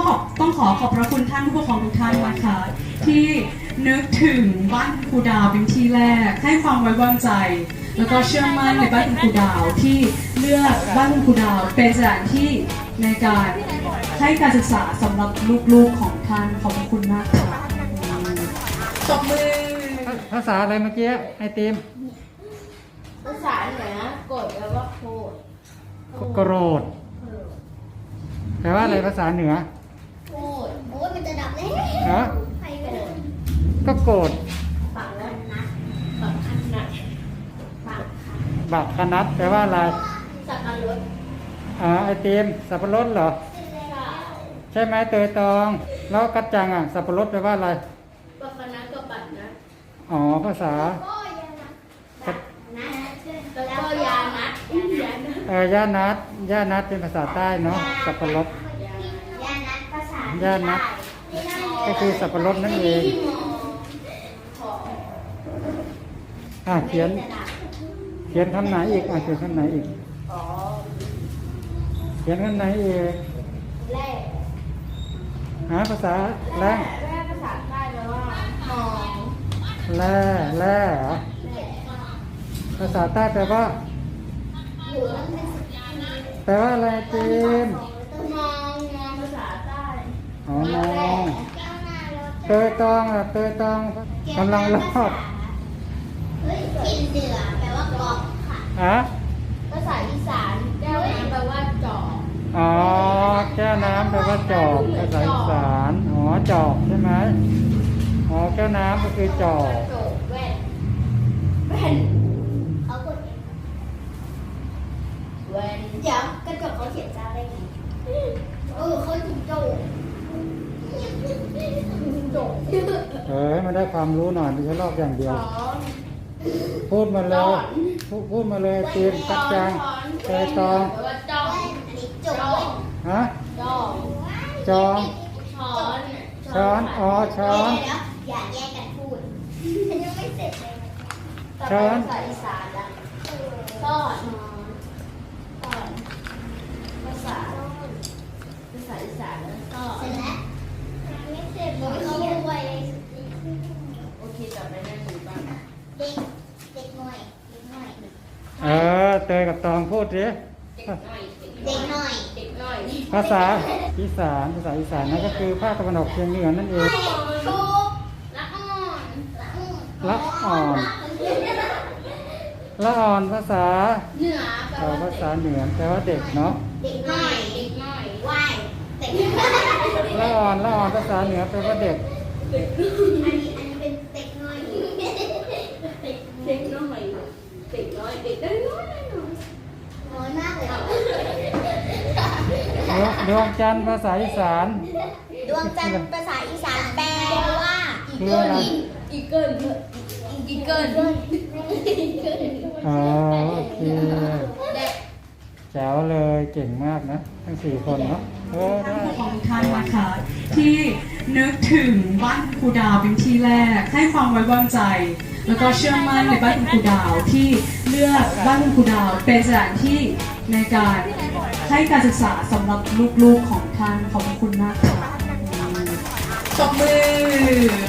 ต้องขอขอบพระคุณท่านผู้ปกครองทุกท่านนะคะที่นึกถึงบ้านครูดาวเป็นที่แรกให้ความไว้วางใจ แล้วก็เชื่อมั่นในบ้านครูดาวที่เลือกบ้านครูดาวเป็นสถานที่ในการให้การศึกษาสำหรับลูกๆของท่านขอบคุณมากค่ะตบมือภาษาอะไรเมื่อกี้ไอติมภาษาเหนือโกรธแปลว่าโกรธโกรธแปลว่าอะไรภาษาเหนือโกรธโอ้ยมันจะดับแล้วฮะใครโกรธก็โกรธบักนัดบักคันนัดบักคนัดแปลว่าอะไรสับปะรดไอติมสับปะรดเหรอใช่ไหมเตยตองแล้วกัจจังสับปะรดแปลว่าอะไรบักคนัดกับบักนัดภาษาแล้วก็ยานัดย่านัดเป็นภาษาใต้เนาะสับปะรดยานัดภาษาย่านัดก็คือสับปะรดนั่นเองเขียนคำไหนอีกเขียนคำไหนอีกเขียนคำไหนอีกภาษาแร่ภาษาใต้แปลว่าหอมแร่เหรอภาษาใต้แปลว่าอะไรจีนมองภาษาใต้มองเตยตองกำลังรอดกินเหนือแปลว่ากอกค่ะภาษาอีสานแก้วน้ำแปลว่าจอกแก้วน้ำแปลว่าจอกภาษาอีสานจอกใช่ไหมแก้วน้ำก็คือจอกแว่นเขากดแว่นเดี๋ยวกระจกเขาเขียนจ้าได้ไงเขาถึงโจมันได้ความรู้หน่อยไม่ใช่ลอกอย่างเดียวพูดมาเลยตีนกัดจังเตยตองจองช้อนอย่าแยกกันพูดฉันยังไม่เสร็จเลยช้อนภาษาอีสานละซ่อนภาษาอีสานแล้วซ่อนเสร็จแล้วไม่เสร็จเลยเขาไวโอเคต่อไปนั่งดูบ้างเด็กหน่อยเตยกับตองพูดสิเด็กหน่อยภาษาอีสานนั่นก็คือภาคตะวันออกเฉียงเหนือนั่นเองละอ่อนภาษาเหนือภาษาเหนือแปลว่าเด็กเนาะเด็กน้อยว่ายเด็กละอ่อนภาษาเหนือแปลว่าเด็กอันนี้เป็นเด็กน้อยน้อยมากเลยดวงจันทร์ภาษาอีสานดวงจันทร์ภาษาอีสานแปลว่าอีเกิลโอเคแจ๋วเลยเก่งมากนะทั้ง4คนเนาะท่านผู้ปกครองทุกท่านนะคะที่นึกถึงบ้านครูดาวเป็นที่แรกให้ความไว้วางใจ แล้วก็เชื่อมั่นในบ้านครูดาวที่เลือกบ้านครูดาวเป็นสถานที่ในการให้การศึกษาสำหรับลูกๆของท่านขอบคุณมากค่ะตบมือ